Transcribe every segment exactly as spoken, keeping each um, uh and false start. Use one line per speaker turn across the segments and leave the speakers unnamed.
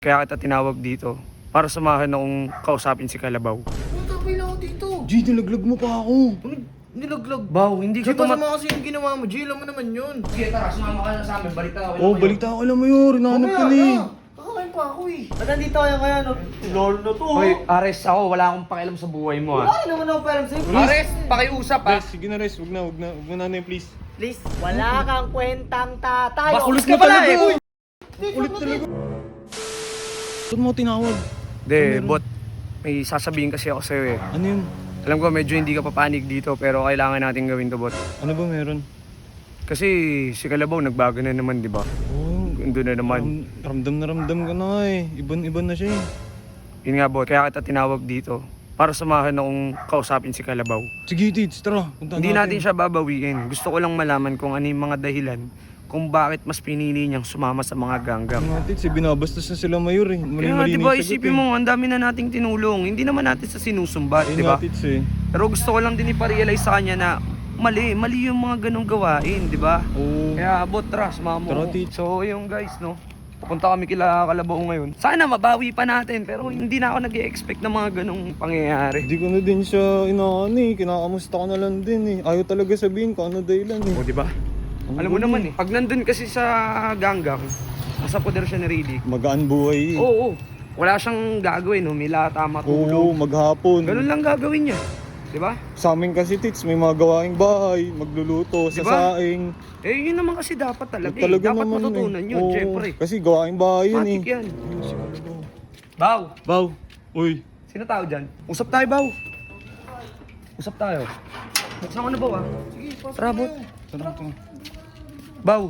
Kaya kita tinawag dito para samahan akong kausapin si Kalabaw.
Ang tapay lang ako dito.
G, nilaglag mo pa ako.
Ano? Nilaglag.
Baw, hindi
G,
ka tumat...
masama kasi yung ginawa mo. G, alam mo naman yun.
Sige, tara, sumama ka na sa amin. Balita ako.
Oh, balita ko lang mo yun. Hinahanap ka na eh.
Kakain pa ako eh.
Ba't nandito kayo ngayon? Lord na to.
Hoy, Ares, ako. Wala akong pakialam sa buhay mo, ha.
Wala naman ako parang sa'yo.
Ares, pakiusap, ha.
Res, sige na Res. Huwag na, huwag na. Huwag mo nanay, please.
Please, wala kang kwentang tatay.
Bakulos
Okay
ka pala, eh.
Uy! Ulit talaga. Ba't mo tinawag?
De, bot, may sasabihin kasi ako sa'yo, eh.
Ano yun?
Alam ko, medyo hindi ka papanig dito, pero kailangan natin gawin to, bot.
Ano ba meron?
Kasi si Kalabaw, nagbago na naman, di ba?
Oh,
Gando na naman.
ram, ramdam na ramdam ka na eh. Iban-iban na siya eh.
Yun nga, bot, kaya kita tinawag dito para samahan akong kausapin si Kalabaw.
Sige, Tits, tara. Punta
Hindi natin siya babawiin. Gusto ko lang malaman kung ano yung mga dahilan kung bakit mas pinili niyang sumama sa mga ganggam.
Mga Tits, eh, binabastos na sila mayor eh.
Kaya nga,
Mali-mali
di
na
ba,
yung sagot
isipin
eh.
mo, ang dami na nating tinulong. Hindi naman natin sa sinusumbat,
Ayun
di
nga,
ba?
Tits eh.
Pero gusto ko lang din iparealize sa kanya na mali, mali yung mga ganong gawain, di ba?
Oo.
Kaya, bot, tara, sumama mo.
Tara, Tits.
So, yung guys, no? Pupunta kami kila Kalabaw ngayon. Sana mabawi pa natin, pero hindi na ako nag-e-expect ng mga ganong pangyayari.
Hindi ko na din siya inaano eh. Kinakamusta ko na lang din eh. Ayaw talaga sabihin kung ano dahilan eh.
O, di ba? Alam mo naman eh, pag nandun kasi sa ganggang, nasa poder siya ni Riddick.
Magaan buhay eh.
Oo, oo. Wala siyang gagawin, humilata,
Oo,
matulog.
maghapon.
Ganun lang gagawin niya. Di ba?
Sa amin kasi, Tits, may mga gawaing bahay, magluluto,
Di
sa
ba?
saing.
Eh, yun naman kasi dapat talaga eh.
Talaga
Dapat
naman
matutunan
eh.
yun,
Oo,
syempre.
Kasi gawaing bahay yun
Matik
eh.
yan. Baw,
Baw, uy.
sino tao dyan? Usap tayo, Baw. Usap tayo. Buksan ko na, Baw, ah.
Sige, pasok
Tara,
na
bot.
yun.
Tara, tara.
Baw.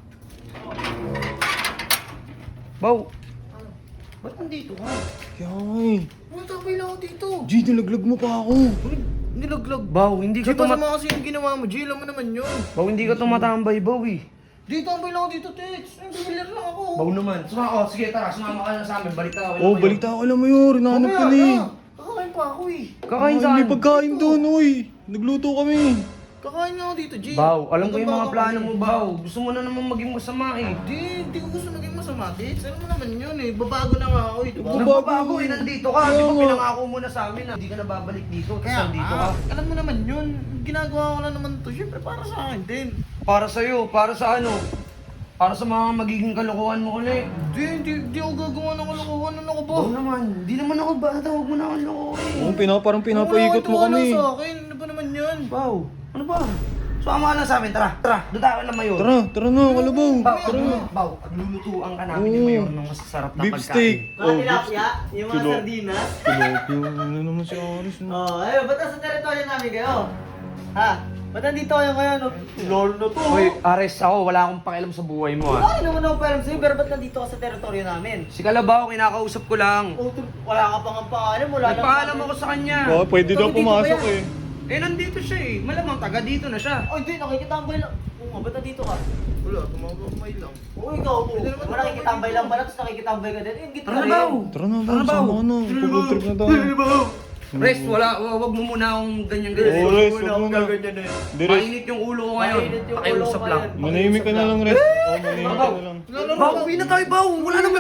Baw.
Ba't nandito ka?
Kaya nga eh.
Ang tapay lang ako dito.
G, nilaglag mo pa ako.
Ano? Nilaglag.
Baw, hindi
G,
ka tumat...
masama kasi yung ginawa mo. G, alam mo naman yun.
Baw, hindi ka tumatambay, Baw, eh.
Dito ang lang ako dito, Tits. Ang familiar lang ako.
Baw naman. Suma, oh, sige, tara, sumama ka na sa amin. Balita ako.
Oh, balita ko lang mo yun. Hinahanap ka na eh.
Kakain pa ako eh.
Kakain
Ay,
saan?
may pagkain doon, uy. Nagluto kami.
Kakain nga ako dito, G.
Baw, alam ko yung mga
Nagbabago
plano
kasi.
mo, Baw. Gusto mo na naman maging masama, eh.
Di, di ko gusto maging masama, Tits. Alam mo naman yun eh. Babago na nga ako eh, di ba?
Babago.
Nagbabago, eh. Nandito ka. Di
Kaya
ba
nga.
pinangako mo na sa amin na hindi ka na babalik dito. Tapos
Kaya
nandito ka.
ah, alam mo naman yun. Ginagawa ko na naman to. Siyempre para sa akin din.
Para sa'yo, para sa ano? Para sa mga magiging kalokohan mo ulit.
Di, di, di ako gagawa ng kalokohan. Ano ko ba?
Oo naman. Di naman ako bata. Huwag mo na akong lokohin.
Oo, pina, parang pinapaikot mo
Wala
kami.
sa akin. Ano ba naman yun?
Baw, ano ba? Sumama ka na sa amin. Tara, tara. Doon tayo lang mayor.
Tara, tara na, Kalabaw.
Baw,
Tara.
aglu- Baw, aglulutuan ka namin ni
Oo.
Mayor ng masasarap na
Beef
pagkain.
steak.
Mga
Oh, beef
tilapia, yung mga
Tulo.
sardinas.
Tilapia. Ano naman si Aris? no?
Oh, ayun, ba't nasa teritoryo namin kayo? Ha? Ba't nandito kayo ngayon? Lord na to.
Hoy, Ares, ako. Wala akong pakialam sa buhay mo, ha.
Wala naman ako parang sa'yo, pero ba't nandito ka sa teritoryo namin?
Si Kalabaw, kinakausap ko lang.
Oh, tu- wala ka pang ang pangalan, wala lang.
Nagpaalam ako sa kanya.
Oh, pwede daw
Ikaw, dito
pumasok
ba yan?
eh.
Eh, nandito siya eh. Malamang taga dito na siya.
Oh, hindi, nakikitambay lang. Oo nga, ba't nandito ka?
Wala, tumabay lang.
Oo, ikaw po.
Pwede naman
Wala nakikitambay lang pala, tapos nakikitambay ka din. Eh, ingit ka
Tara na,
rin.
Baw.
Tara na,
Tara,
Baw.
Baw.
Sama ka na. Pag-road trip na tayo.
Res, wala. wa- Wag mo muna akong ganyan-ganyan.
Oo, Res,
Wala
wag
akong
mo na.
gaganyan na yun.
Di, Res.
Mainit yung ulo ko ngayon.
Mainit yung ulo
Pakiusap
ko
lang.
ngayon.
Manahimik ka na lang, Res. Oh, manahimik ka na lang.
Baw, uwi na tayo, Baw. Wala naman.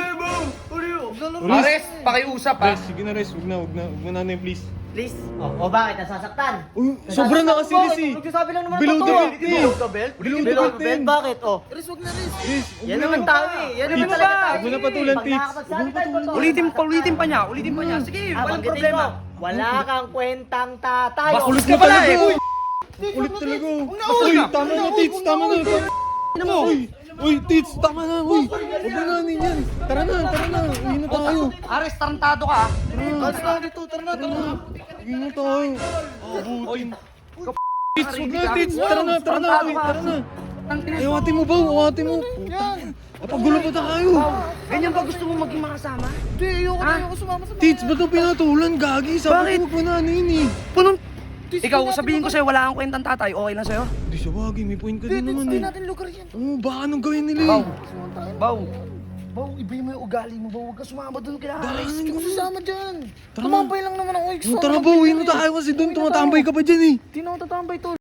Ares, pakiusap ha.
Res, sige na, Res. Huwag na, huwag na. Huwag mo nanay, please.
Please. Oh, oh bakit? Nasasaktan?
Uy, sobra na kasi, Res eh.
Nagsasabi lang naman
Below
ang
the
totoo.
belt, eh.
Below the belt?
Below the
Below
belt
the belt?
din.
Bakit? Oh.
Chris, wag na Chris.
Res, huwag
Yan
na.
naman tayo eh. Yan naman
Tits,
talaga tayo.
huwag mo na patulan,
Pag
Tits.
nakakapagsalita yung totoo,
Ulitin,
nasasaktan.
ulitin pa niya. Ulitin pa niya. Sige,
Ah,
walang
banggitin
problema.
ko, wala kang kwentang tatay.
Bakulos
Oh,
ka pala eh.
Uy, ulit talaga. Uy, tama na, Tits. Tama na.
Ano mo?
Uy, uy, Tits, tama na. Uy, huwag mo na yan. Tara na, tara na. Uwi na tayo.
Ares, tarantado ka ha.
Alis na dito, tara na, tara na.
Uwi na tayo. Abutin. Tits, huwag na, Tits. Tara na, tara na. Uy, tara na. Ay, awati mo ba? Awati mo.
Yan.
Pagulo pa tayo.
Ganyan ba gusto mo maging makasama?
Di, ayoko na, ayoko sumama sa
Tits, ba't ang pinatulan? Gagi, sabi
Bakit?
ko huwag mo na eh.
Punong... Ikaw, sabihin ko sa'yo, wala kang kwentang tatay. Okay lang sa'yo?
Hindi siya wagi, may point ka
Di,
din
Tits,
naman
di
eh.
natin lugar yan.
Oo, baka anong gawin nila
Baw.
eh.
Baw. Baw, iba mo yung ugali mo. Baw, huwag ka sumama doon kila Ares.
Hindi ko sasama dyan.
Tara.
Tumambay lang naman ako.
Oh, tara ba, uwi na tayo kasi doon, tumatambay ka pa dyan eh.
Di na ako tatambay, tol.